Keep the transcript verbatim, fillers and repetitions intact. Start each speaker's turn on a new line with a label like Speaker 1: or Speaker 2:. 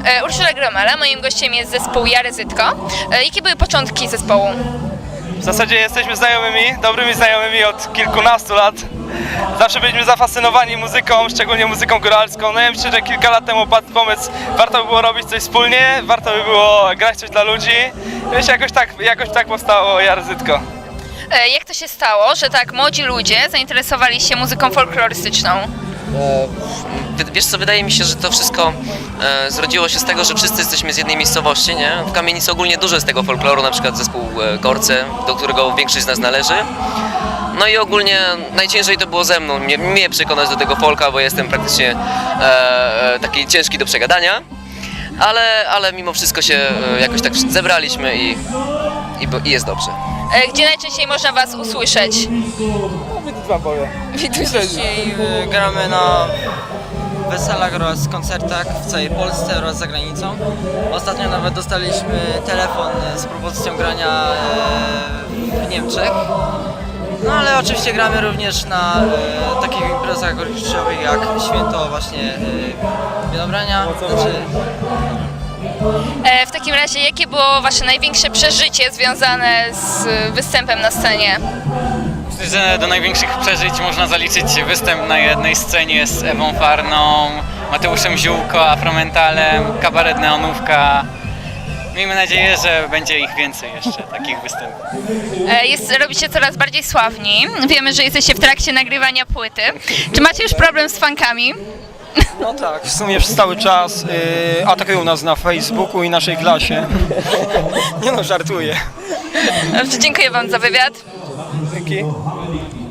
Speaker 1: E, Urszula Gromala, moim gościem jest zespół Jaryzytko. E, jakie były początki zespołu?
Speaker 2: W zasadzie jesteśmy znajomymi, dobrymi znajomymi od kilkunastu lat. Zawsze byliśmy zafascynowani muzyką, szczególnie muzyką góralską. No ja myślę, że kilka lat temu padł pomysł, warto by było robić coś wspólnie, warto by było grać coś dla ludzi. Wiesz, jakoś tak, jakoś tak powstało Jaryzytko.
Speaker 1: E, jak to się stało, że tak młodzi ludzie zainteresowali się muzyką folklorystyczną?
Speaker 3: Wy- Wiesz co, wydaje mi się, że to wszystko e, zrodziło się z tego, że wszyscy jesteśmy z jednej miejscowości, nie? W Kamienicy ogólnie dużo jest tego folkloru, na przykład zespół e, Gorce, do którego większość z nas należy. No i ogólnie najciężej to było ze mną, mnie, mnie przekonać do tego folka, bo jestem praktycznie e, e, taki ciężki do przegadania. Ale, ale mimo wszystko się e, jakoś tak zebraliśmy i, i, bo- i jest dobrze.
Speaker 1: E, gdzie najczęściej można was usłyszeć?
Speaker 4: Dzisiaj y, gramy na weselach oraz koncertach w całej Polsce oraz za granicą. Ostatnio nawet dostaliśmy telefon z propozycją grania y, w Niemczech. No ale oczywiście gramy również na y, takich imprezach orkiestrowych jak święto właśnie y, Winobrania. Znaczy,
Speaker 1: E, w takim razie, jakie było wasze największe przeżycie związane z występem na scenie?
Speaker 5: Myślę, że do największych przeżyć można zaliczyć występ na jednej scenie z Ewą Farną, Mateuszem Ziółko, Afromentalem, kabaret Neonówka. Miejmy nadzieję, że będzie ich więcej jeszcze, takich występów.
Speaker 1: E, jest, robicie coraz bardziej sławni. Wiemy, że jesteście w trakcie nagrywania płyty. Czy macie już problem z fankami?
Speaker 6: No tak, w sumie przez cały czas y, atakują nas na Facebooku i naszej klasie. Nie no, żartuję.
Speaker 1: Dobrze, dziękuję wam za wywiad.
Speaker 6: Dzięki.